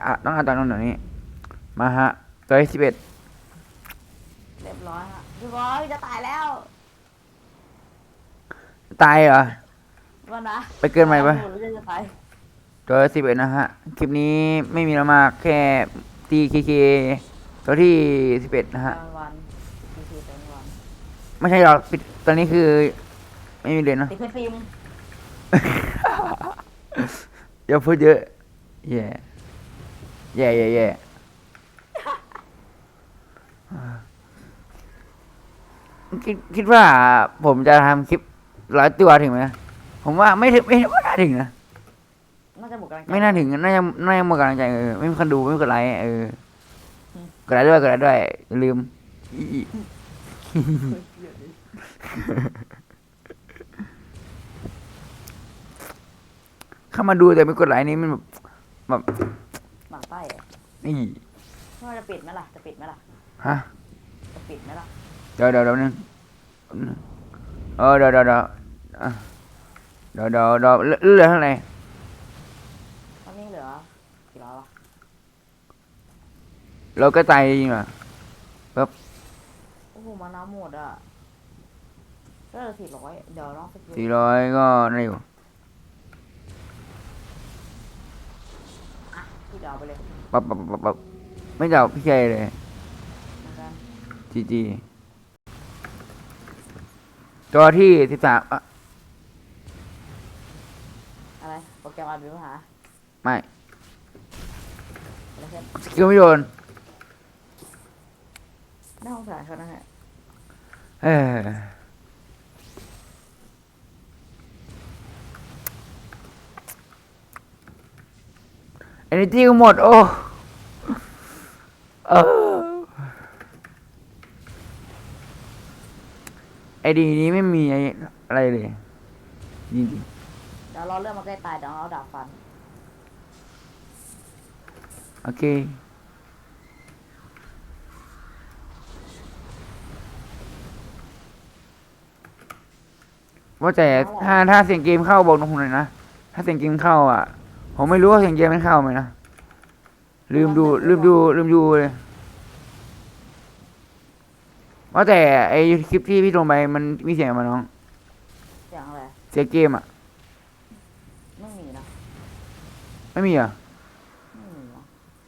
ต้องเอาตอนนั้นนี้มาฮะตัวที่11 เรียบร้อยฮะพี่บอยจะตายแล้วตายเหรอวันนะไปเกินไหมปะจะตายตัว11นะฮะคลิปนี้ไม่มีแล้วมากแค่ตีเคตัวที่11นะฮะวันคือเป็นวันไม่ใช่หรอกปิดตอนนี้คือไม่มีเลยนะติดเพชรฟิล์มอย่าพูดเยอะแย่แย่คิดว่าผมจะทำคลิป100 ตัวถึงไหมผมว่าไม่ถึงไม่น่าถึงนะน่าจะหมดกำลังใจไม่น่าถึงน่าจะหมดกำลังใจไม่มีคนดูไม่มีคนไลค์กดไลค์ด้วยอย่าลืมเข้ามาดูแต่ไม่กดไลค์นี่มันแบบหมั่นไส้เหรอนี่ว่าจะปิดไหมล่ะจะปิดไหมล่ะฮะจะปิดไหมล่ะเดี๋ยวนึงเดี๋ยวเหลือเท่าไหร่ตอนนี้เหลือกี่ร้อยวะเราก็ตายจริงเหรอโอ้โหมาน้ำหมดอ่ะก็เหลือ400เดี๋ยวลองสกิล 400ก็ได้อยู่พี่เดี๋ยวเอาไปเลยปั๊บไม่จับพี่ชัยเลยเหมือนกันจีตัวที่13 อะไรโปรแกรมอัดวิวหาไม่อะไรเช่นสกิลไม่โดนน่าสงสารเขานะฮะเออเอเนจีก็หมดโอ้ไอดีนี้ไม่มีอะไรเลยจริงเดี๋ยวรอเรื่องมาใกล้ตายเดี๋ยวเอาดาบฟันโอเคว่าแต่ถ้าเสียงเกมเข้าบอกน้องผมหน่อยนะถ้าเสียงเกมเข้าอ่ะผมไม่รู้ว่าเสียงเกมมันเข้าไหมนะลืมดูเลยว่าแต่ไอคลิปที่พี่ลงไปมันมีเสียงมาน้องเสียงอะไรเสียงเกมอ่ะไม่มีนะไม่มีอ่ะไม่มีนะ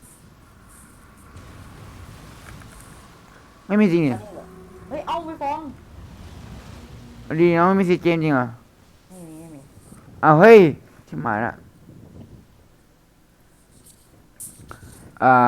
ไม่มีจริงเนี่ยเฮ้ยเอาไปฟ้องดีน้องไม่มีเสียงเกมจริงเหรอไม่มีอ้าวเฮ้ยชิบหายละอ่า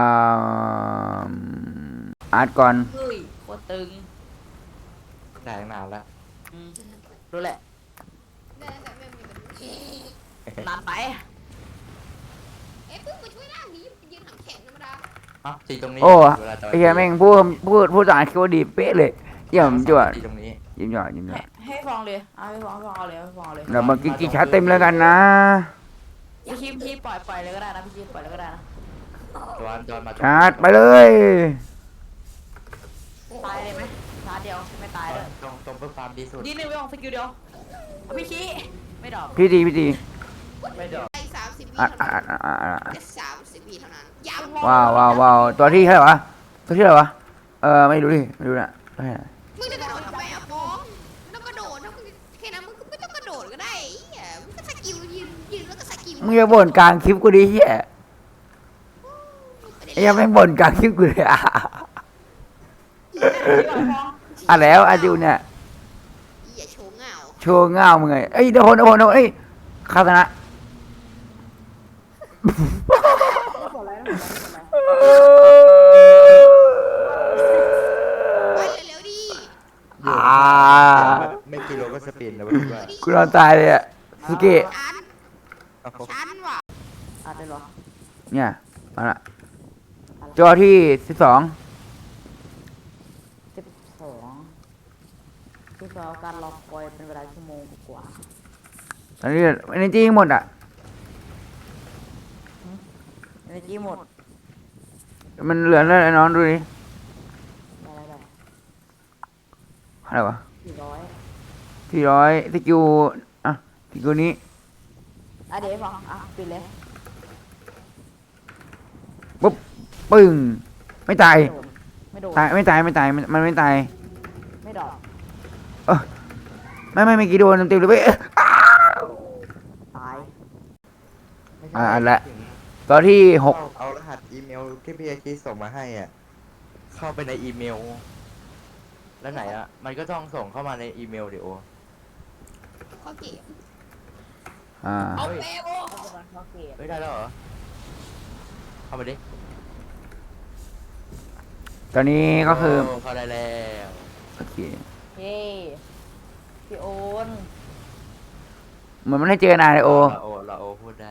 อาร์ตก่อนเฮ้ยโคตรตึงได้ตั้งนานแล้วรู้แหละได้แต่ไม่มีแบบนี้นานไปเอ๊ะเพิ่งมาช่วยร่างนี้ยืนหางแข็งธรรมดาอ๋อตีตรงนี้โอ้เวลาจอยไอ้เหี้ยแม่งพูดต่างคิดว่าดีเป๊ะเลยเยี่ยมจวดตีตรงนี้ยิ้มยอดให้ฟ้องเลยเอาให้ฟ้องเอาเลยให้ฟ้องเลยเดี๋ยวมากินชาร์จเต็มแล้วกันนะพี่คีปล่อยเลยก็ได้นะพี่คีปล่อยเลยก็ได้นะจอนมาชาร์จไปเลยตายเลยไหมชาร์จเดียวไม่ตายเลยตรงเพื่อความดีสุดยิงหนึ่งไปออกสกิลเดียวพี่คีไม่ดอกพี่ดีไม่ดอกไอ้30 วิอ่ะเท่านั้นอ่ะแค่30 วิเท่านั้นย้ำว้าวตัวที่เท่าไหร่วะตัวที่เท่าไหร่วะไม่รู้นะไม่มึงจะกระโดดทำไมอะฟ้องไม่ต้องกระโดดนะมึงแค่นั้นมึงก็ไม่ต้องกระโดดก็ได้ไอ้เหี้ยมึงก็สกิลยืนแล้วก็สกิลมึงจะบ่นกลางคลิปกูดิเฮียไอ้ยังไม่บ่นกลางคลิปกูเลยอ่ะแล้วอาจูเนี่ยอย่าโชว์เงาโชว์เงามึงไงเอ้ยโดนเอ้ยคาตนะไปเร็วๆดิไม่กิโลก็สปินนะเพื่อนกูนอนตายเลยอ่ะสเกะชันว่ะอาจจะหรอเนี่ยมาละจอที่12 12คือการรอคอยเป็นเวลาชั่วโมงกว่าตอนนี้เอเนจีหมดอ่ะเอเนจีหมดมันเหลืออะไรน้องดูดิได้อะไรวะ 400 400สกิลอ่ะสกิลนี้เดี๋ยวฟังปิดเลยปุ๊บปึ้งไม่ตายไม่โดนตายไม่ตายไม่ตายมันไม่ตายไม่ดอกไม่เมื่อกี้โดนเต็มๆเลยเว้ยตายไม่ใช่อันละตอนที่หกเอารหัสอีเมลที่พี่อาคิส่งมาให้อ่ะเข้าไปในอีเมล แล้วไหนอ่ะมันก็ต้องส่งเข้ามาในอีเมลเดี๋ยวข้อเกมอ่าเอาเปโอเอาไปก่อนเข้าเกมเฮ้ยได้แล้วเหรอเข้ามาดิตอนนี้ก็คือโเข้าได้แล้วโอเคเย้พี่โอนเหมือนไม่ได้เจอกันนานเลยโอเราโอพูดได้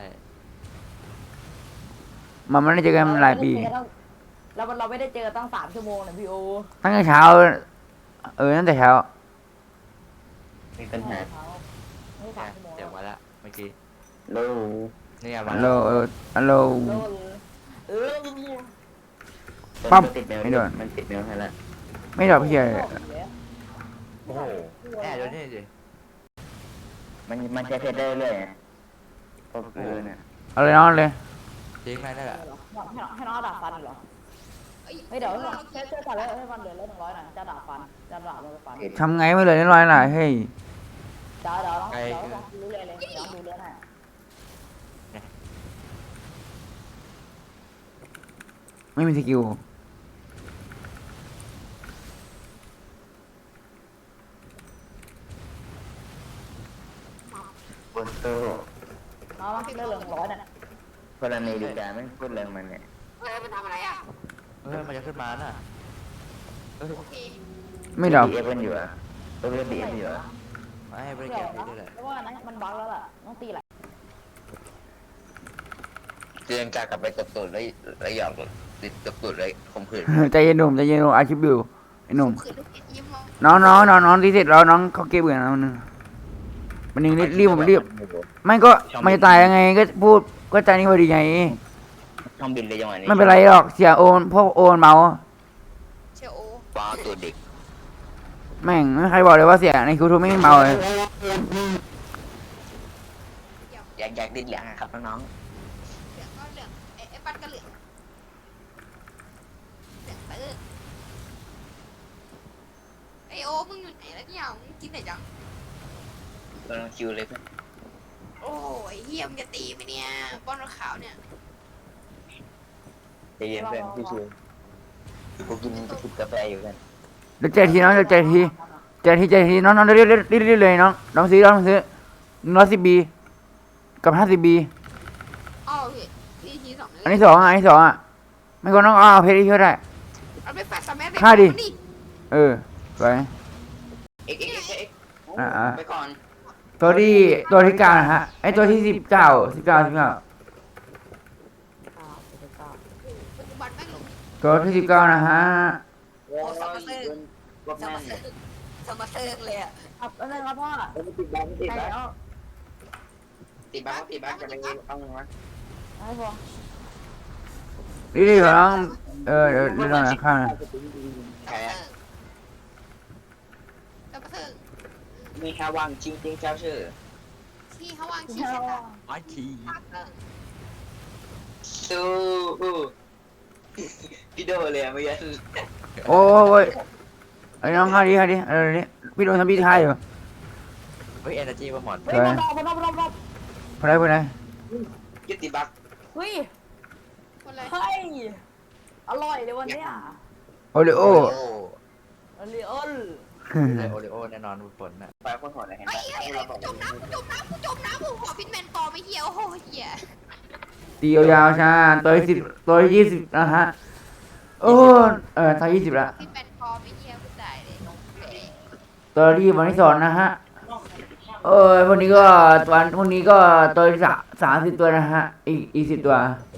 มันไม่ได้เจอกันหลายปีแล้วเราไม่ได้เจอตั้ง3 ชั่วโมงนะพี่โอตั้งแต่เช้าตั้งแต่เช้ามีปัญหาไม่3 ชั่วโมงเดี๋ยวมาละเมื่อกี้โลนี่ไงมาฮัลโหลแล้วฮัลโหลโลดเออปั๊บติดเมลไม่โดนมันติดเมลให้แล้วไม่ดอกพี่ใหญ่โอ้โหแอบดูนี่สิมันจะเพชรได้เรื่อยๆไงพวกเนี่ยเอาเลยน้องเลยทิ้งไปนั่นแหละให้น้องดาบฟันเหรอเฮ้ยเดี๋ยวช่วยกันเลยให้มันเหลือ100หน่อยจะดาบฟันจะดาบมันฟันทำไงไม่เลยน้อยๆหน่อยเฮ้ยเดี๋ยวลองดูเลยเดี๋ยวดูเรื่องหน่อยไม่มีสกิลบนโซ่เอาละเรื่อง100น่ะกรณีดีการไม่พูดเรื่องมันเนี่ยเฮ้ยมันทำอะไรอ่ะเฮ้ยมันจะขึ้นมาน่ะเฮ้ยโอเคไม่ดอกดีเอฟมันอยู่อ่ะตัวเลือดดีเอฟอยู่อ่ะไม่ให้บริเดี๋กาย รวไปนะด้วยแหละเพราะว่านั้นมันบั๊กแล้วล่ะต้องตีแหละเตือนกากลับไปตบตูดแล้วหยอกติดตบตูดเลยข่มขืนใจเย็นหนุ่มใจเย็นหนุ่มอาชีพอยู่ไอ้หนุ่มขืนลูกเห็ดยิ้มมองน้องที่เสร็จแล้วน้องเขาเก็บเงินแล้วนึงมันนึงรีบผมรีบไม่ก็ไม่ตายยังไงก็พูดก็ใจนี่พอดีไงช่องบินเลยจังหวะนี้ไม่เป็นไรหรอกเสียโอนพวกโอนเมาเชลโอว้าวตัวเด็กแม่งไม่มีใครบอกเลยว่าเสียในคิวทูไม่เมาเลยอยากดิ้นแหลงอะครับน้องเหลืองก็เหลืองไอ้ปัดก็เหลืองเหลืองตื้อไอโอมึงอยู่ไหนแล้วเนี่ยมึงกินไหนจังๆกำลังคิวเลยเพื่อนโอ้ยเฮียมงจะตีไหมเนี่ยป้อนขาวเนี่ยใจเย็นเพื่อนพี่ชูกูกินกาแฟอยู่กันเดี๋ยวเจอทีน้องเดี๋ยวเจอทีน้องเรีบเลยน้องซื้อ110 B กับ50 B อ้าวพี่พี่ทีสองเลยอันที่สองอ่ะไม่ก็น้องเอาเพชรที่เท่าได้เอาไปแฟดสมัยฆ่าดินี่ไปเอ็กอ่าไปก่อนตัวที่เก้านะฮะไอตัวที่19 ปัจจุบันแม่งลงตัวที่19นะฮะโอ้สมาเซิร์สมาเซิร์สมาเซิร์เลยอ่ะครับแล้วนะครับพ่อติดบ้านติดใช่บ้านแล้วติดบ้านจะไปเอาเงินวะให้พ่อรีบน้องเดี๋ยวน้องข้างนะแพ้สมาเซิร์มีแค่วางจริงเจ้าชื่อที่เขาวางขี้เสร็จอ่ะไอ้ทีสู้พี่โดเลยอะเมื่อกี้โอ้ยไอ้น้องข้าดิอะไรนี่พี่โดนทำพี่ทายอยู่เฮ้ยเอเนอร์จีมาหมดเฮ้ยมันรอบพอได้ยึดติดบักเฮ้ยคนอะไรเฮ้ยอร่อยเลยวันเนี้ยโอริโออร่อยอ้นเลยโอริโอแน่นอนฝนน่ะไปคนหัวเลยเห็นไอ้ปะเหี้ยกูจมน้ำกูจมน้ำกูขอพินแมนปอไม่เหี้ยโอ้โหเหี้ยตียาวๆช้าตัวที่20นะฮะโอ้ตัว20ละพินแมนปอไม่เหี้ยกูตายเลยตัวที่วันที่2นะฮะพวกนี้ก็พวกนี้ก็ตัวที่30ตัวนะฮะอีก10ตัว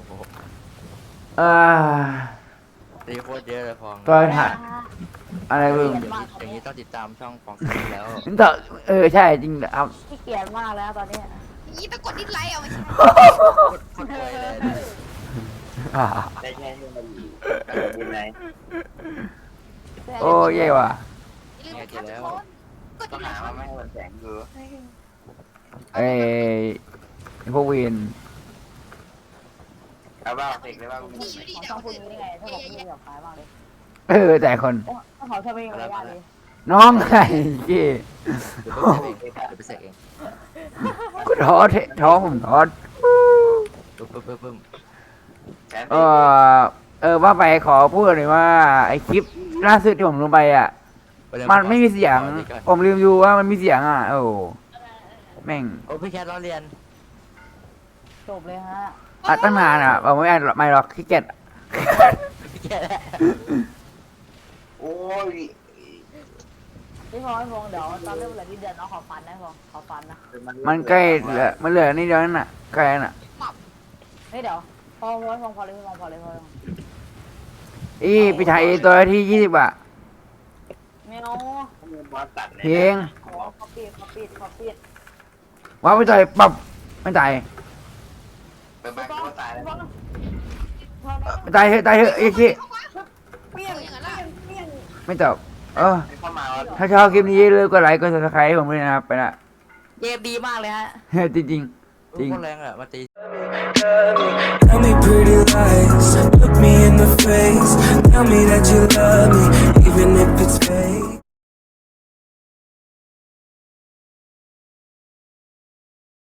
ตีโคตรเยอะเลยพองตัวถ่ายอะไรเพิ่มอย่างนี้ต้องติดตามช่องฟองซีแล้วต่อใช่จริงครับขี้เกียจมากแล้วตอนนี้นี่ตะกดดิสไลค์เอาไม่ใช่โคตรเลยเลยได้แค่นี้มันบุญไหนโอ้เย่ว่ะลืมไปครับทุกคนกดต้ดิองสไลหาค์ว่าไม่ให้มันแสงดูไอ้พวกเวนเอาบ้าเสกเลยว่ากูนี่อยู่ดีของเดี๋ยช่อวงพูดนี้ได้ไงถ้าบอกไม่อยากขายบ้างเลยแต่คนถ้าเขาจะไม่มีมารยาทเลยน้องไงเก้เดี๋ยวไปเสกเองเดี๋ยวไปเสกเองกูท้อผมท้อปึ๊บว่าไปขอพูดเลยว่าไอคลิปล่าสุดที่ผมลงไปอ่ะ มันไม่มีเสียง ผมลืมดูว่ามันมีเสียงอ่ะ โอ้แม่งโอ้พี่แคทล้อเรียนจบเลยฮะอัดตั้งนานอ่ะผมไม่หรอกขี้เกียจพี่แคทโอ้ยพี่พงษ์เดี๋ยวตอนเริ่มเหลือที่เดือนน้องขอฟันนะพงษ์ขอฟันนะมันใกล้เหลือมันเหลือนิดเดียวนั่นน่ะใกล้น่ะเฮ้ยเดี๋ยวพอเลยพอเลยอีปีชายตัวที่20อ่ะไม่เอาเพลงขอปิดว้าวไปต่อยปับไม่ตายเป็นบ้าก็ตายแล้วไม่ตายเถอะไอ้ขี้เปี้ยงอย่างนั้นล่ะไม่ตอบเข้ามาถ้าชอบคลิปนี้เลยก็ไลค์ก็ซับสไครต์ให้ผมด้วยนะครับไปละเกมดีมากเลยฮะจริงจริงจริงคนแรงอ่ะมาตี Tell me pretty lies, look me in the face. Tell me that you love me, even if it's fake.